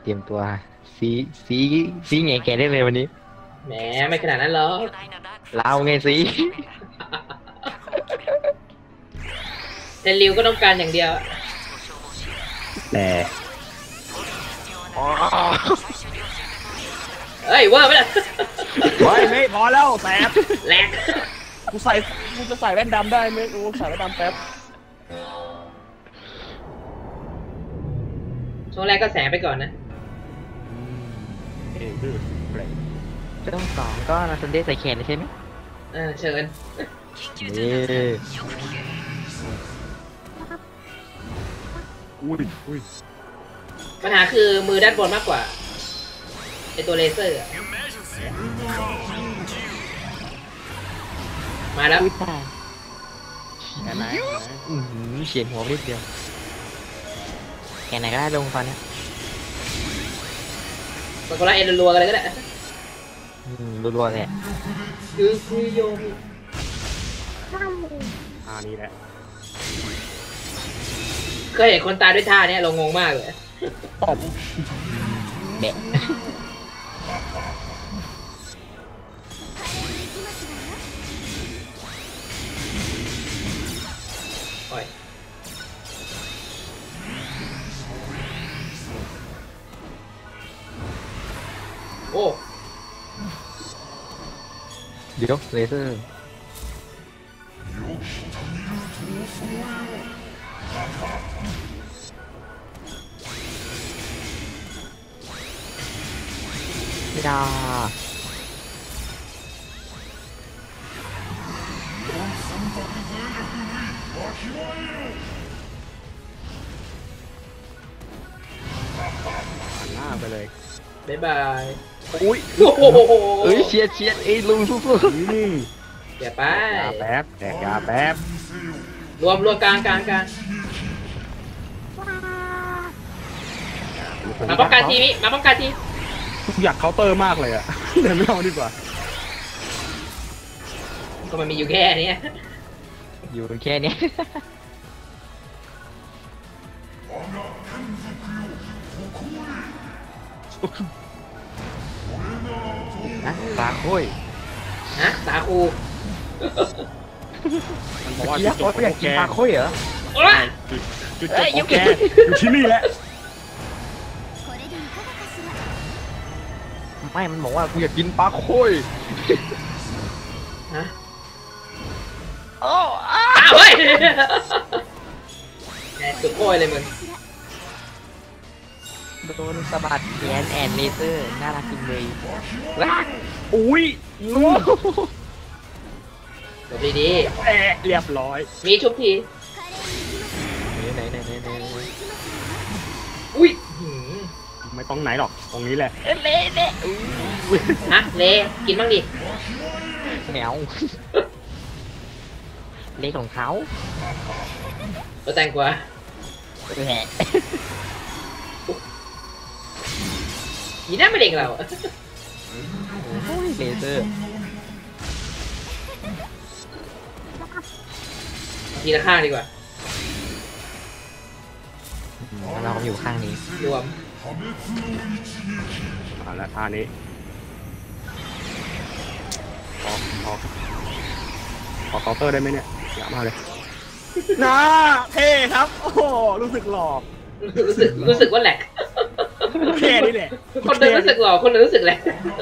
เตรียมตัวซีซีซีไงแกได้เลยวันนี้แหมไม่ขนาดนั้นหรอกเราไงซีแต่ริวก็ต้องการอย่างเดียวแต่อ๋อเอ้ยว่าไม่ได้ไม่พอแล้วแสบแหลกกูใส่กูจะใส่แว่นดำได้ไหมกูใส่แว่นดำแป๊บช่วงแรกก็แสงไปก่อนนะเอ้ยดื้อเปล่งช่วงสองก็นาซันเดย์ใส่แขนเลยใช่ไหมเชิญนี่อุ้ยปัญหาคือมือด้านบนมากกว่าไอตัวเลเซอร์อะมาแล้วอุ้ยตายแค่ไหนเฉียดหัวนิดเดียวแกไหนก็ได้ลงตอนนี้สกุระเอ็นรัวๆกันเลยก็ได้รัวๆเลยคือโยมนี่แหละเคยเห็นคนตายด้วยท่าเนี้ยเรางงมากเลยตบแบะปล่อยโอ้เดี๋ยวเลเซอร์ไม่ได้หันหน้าไปเลยบ๊ายบายอุ้ยโอ้โหเอ้ยเชียดเอ้ยลุงสู้เดี๋ยวไปยาแป๊บแดกยาแป๊บรวมกลางมาป้องกันทีนี้มาป้องกันทีอยากเคาน์เตอร์มากเลยอะเดี๋ยวไม่เอาดีกว่าก็มันมีอยู่แค่นี้ๆอยู่แค่เนี้ยนะปลาโค้ยฮะสาคูมันบอกว่าอยากจุดจบอยากกินปลาโค้ยเหรอโอ้ยจุดจบของแกอยู่ที่นี่แหละไม่ มันบอกว่ากูอยากกินปลาโค้ยฮะโอ้อ้าวเฮ้ยแหมสุดโอยเลยมึงโดนสะบัดแขนแอนเลเซอร์น่ารักจริงเลยว้าอุ้ยงูจบดีเรียบร้อยๆมีชุบทีไหนอุ้ยหืมไม่ต้องไหนหรอกตรงนี้แหละเละฮะเลกินบ้างดิแมวเละของเขาตัวแตงกวาแหละยีน่าไม่เด็กเราเลเซอร์ทีละข้างดีกว่าเราอยู่ข้างนี้รวมแล้วท่านี้ขอเคาน์เตอร์ได้ไหมเนี่ยอยากมากเลยน่าเท่ครับโอ้โหรู้สึกหล่อรู้สึกว่าแหลกแค่นี้แหละคนหนึงรู้สึกหล่อคนหนึงรู้สึกแหลก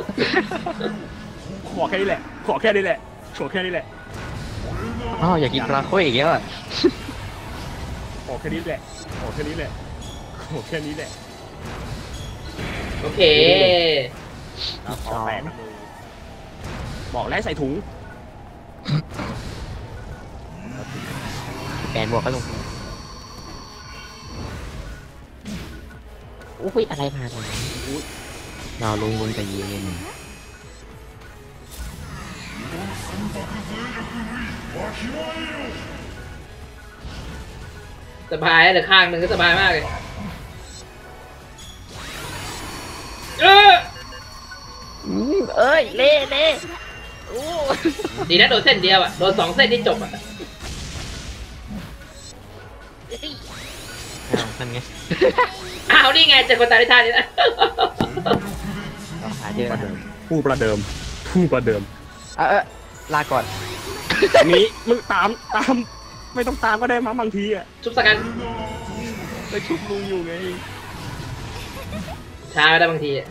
ขอแค่นี้แหละขอแค่นี้แหละขอแค่นี้แหละอ๋ออยากกินปลาโค้ยอีกแล้วอ่ะขอแค่นี้แหละขอแค่นี้แหละขอแค่นี้แหละโอเคขอแปดบอกแล้วใส่ถุงแปดบวกก็ลงอุ้ยอะไรมาเลยเราลงบนกับเย็นสบายเหลือข้างหนึ่งก็สบายมากเลยเอ้ยเละโอ้ดีนะโดนเส้นเดียวอ่ะ โดน2 เส้นที่จบอ่ะโหนั่นไงอ้าวนี่ไงเจอคนตายในท่านี้แล้วเราหาเจอประนะเดิมผู้ประเดิมผู้ประเดิมลาก่อนนี้มึงตามไม่ต้องตามก็ได้มั้งบางทีอ่ะชุบสกันไปชุบลุงอยู่ไงช้าไม่ได้บางทีอะ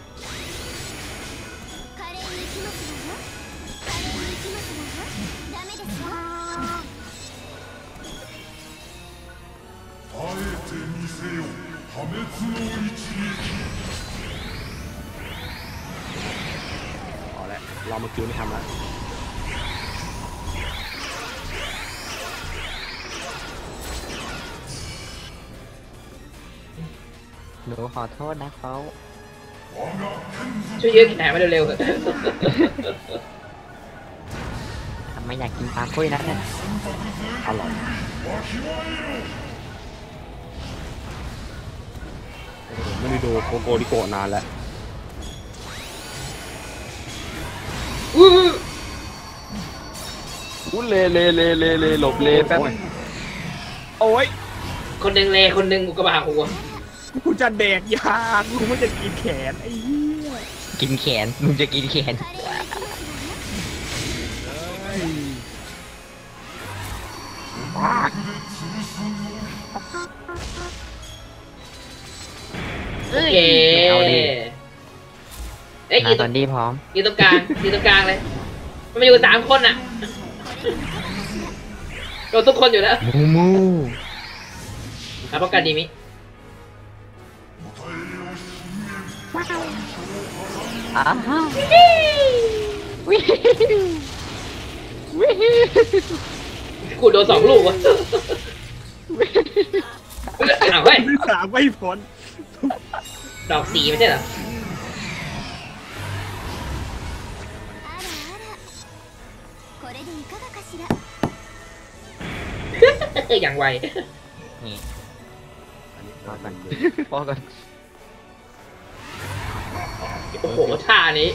เอาละเรามาคิวไม่ทำแล้วหนูขอโทษนะเขาช่วยยืดแขนมาเร็วๆเถอะทำไมอยากกินปลาคุยนะเนี่ยอร่อยไม่ได้ดูโกโกริโกะนานแล้วอู้อู้เลหลบเลแป๊บโอ้ยคนหนึ่งเลคนหนึ่งอุกกาบาตหัวกูจะแดกยากูไม่จะกินแขนไอ้เหี้ยกินแขนลุงจะกินแขนโอเคเอาดิเอ้ยยืมาน ตตรอง นดีพร้อมยืนตรงกลางยืนตรงกลางเลย มันมาอยู่3 คนอ่ะโดนทุกคนอยู่แล้วมูครับป้องกันดีมิอ้าววิวิกูโดน2 ลูกวะอ้าวเฮ้ยที่สามไม่พ้นดอก4ไม่ใช่เหรอ อย่างไวนี่พอก่อนพอก่อนโอ้โหท่านี้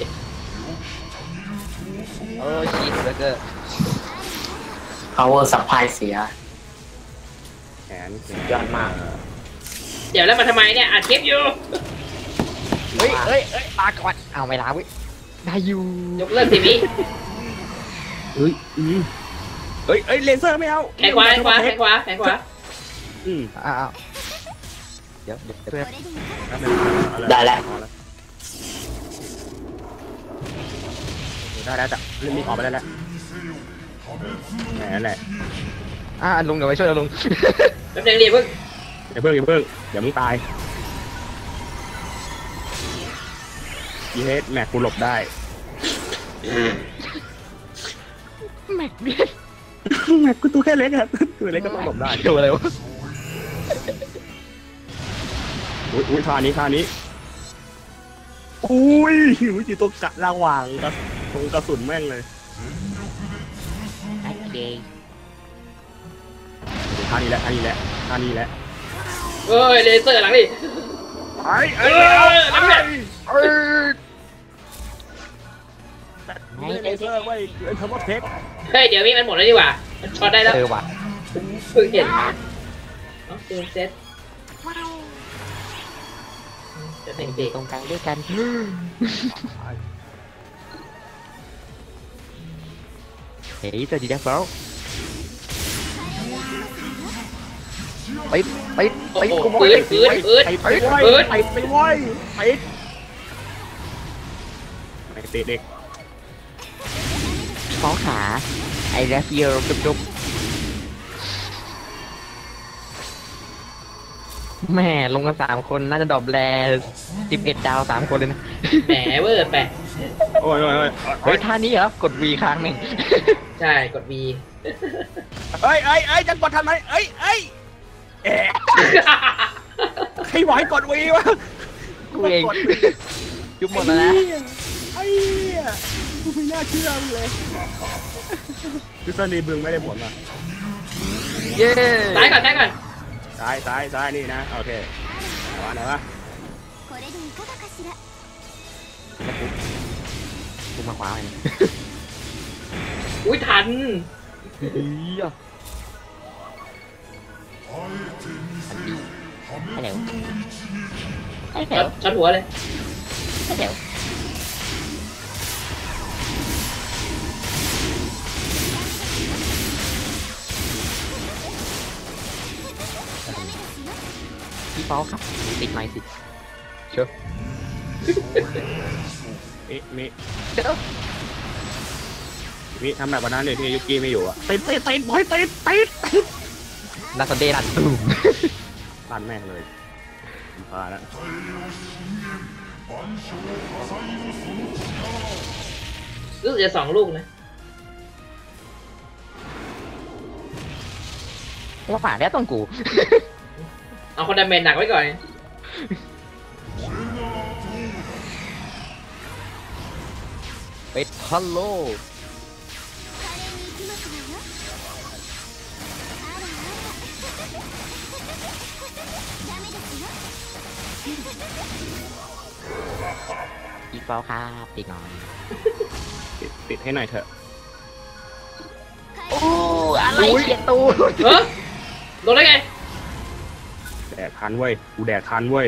ชีสเบอร์เกอร์ power supply เสียแขนยอดมากเดี๋ยวแล้วมาทำไมเนี่ยอัดคลิปอยู่เฮ้ยปลาก่อนเอาไม่ล้าวิได้อยู่ยกเลิกทีวีเฮ้ยเอ้ยเลเซอร์ไม่เอาแขนขวาแขนขวาแขนขวาแขนขวาอืมอ้าวเดี๋ยวเพื่อนได้แล้วได้แล้วจ้ะเรื่องนี้ออกไปได้แล้วแหมนั่นแหละลุงเดี๋ยวไปช่วยเราลุงแป๊บนึงดิเพิ่งอย่าเพิ่งเดี๋ยวมึงตายยีเฮดแม็กกูหลบได้แม็กเนี่ยแม็กกูตัวแค่เล็กอะตัวเล็กก็ต้องหลบได้เกี่ยวอะไรวะอุ้ยท่านี้อุ้ยจีตัวกะระหว่างกระสุนแม่งเลยโอเคท่านี้แหละเอ้ยเลเซอร์หลังดิไอ้น้ำแข็งไม่เลเซอร์เว้ยเอ็นเทอร์โมเทคเฮ้ยเดี๋ยวมีมันหมดแล้วดีกว่ามันช็อตได้แล้วว่ะเพิ่งเห็นเอาเกมเซ็ตจะเป็นเด็กตรงกลางด้วยกันเฮ้ยสวัสดีนะเฟิร์สไปโอ้โหกูบอกปืเลนยปืนปืนไปเว้ยไปเด็กฟ้องขาไอ้แรฟเยอร์จุบแม่ลงกัน3 คนน่าจะดรอปแร11 ดาว3 คนเลยนะแหมเวอร์แปะโอ้ยเฮ้ยท่านี้เหรอกด V ครั้งหนึ่งใช่กด V เอ้ยจะกดทำไมเอ๊ะใครบอกให้กดวีวะกูเองยุบหมดแล้วนะไอ้เหี้ยกูไม่น่าเชื่อเลยพิซซ่านีบึงไม่ได้ผลว่ะเย้ซ้ายก่อนซ้ายก่อนซ้ายนี่นะโอเคไหนวะกูมาขวาเลยอุ้ยทันเฮียให้เร็วให้ช็เร็อวตช็อตหัวเลยให้เร็วพี่เป้าครับติดไม้สิเชื่อมิเชื่อมิทำแบบวันนั้นเลยที่ยุกี้ไม่อยู่อ่ะติดบอยติดนาซาเดรัดตูมลั่นแม่งเลยพาแล้วรู้สึกจะ2 ลูกนะว่าฝ่าแล้วต้องกูเอาคนดาเมจหนักไว้ก่อนเป็ดฮัลโหลอีกเปล่าครับติดหน่อยติดให้หน่อยเถอะโอ้อะไรเขียนตูเฮ้ยโดนได้ไงแดกทันเว้ยกูแดกทันเว้ย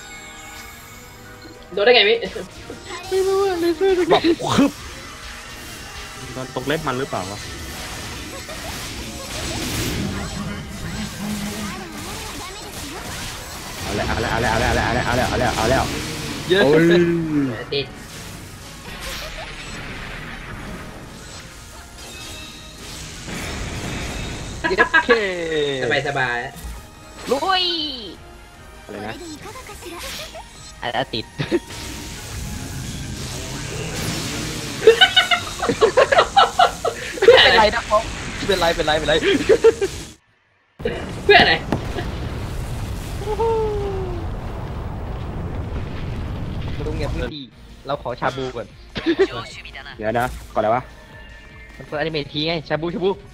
โดนได้ไงมิไม่รู้อะเลเซอร์แบบคึบตอนตกเล็บมันหรือเปล่าวะเอาแล้วเยอะโอ้ยติดโอเคสบายลุยอะไรนะอ่ะติดเพื่ออะไรเป็นไรนะครับเป็นไรเพื่ออะไรลุงเงียบดีเราขอชาบูก่อนเดี๋ยวนะก่อนอะไรวะมันเปิดอนิเมะทีไงชาบูจับมือ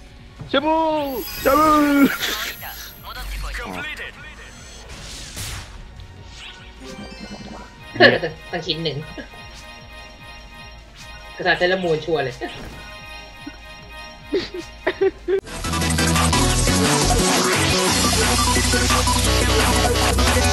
ตั้งชิ้น 1กระดาษเซรามูนชัวร์เลย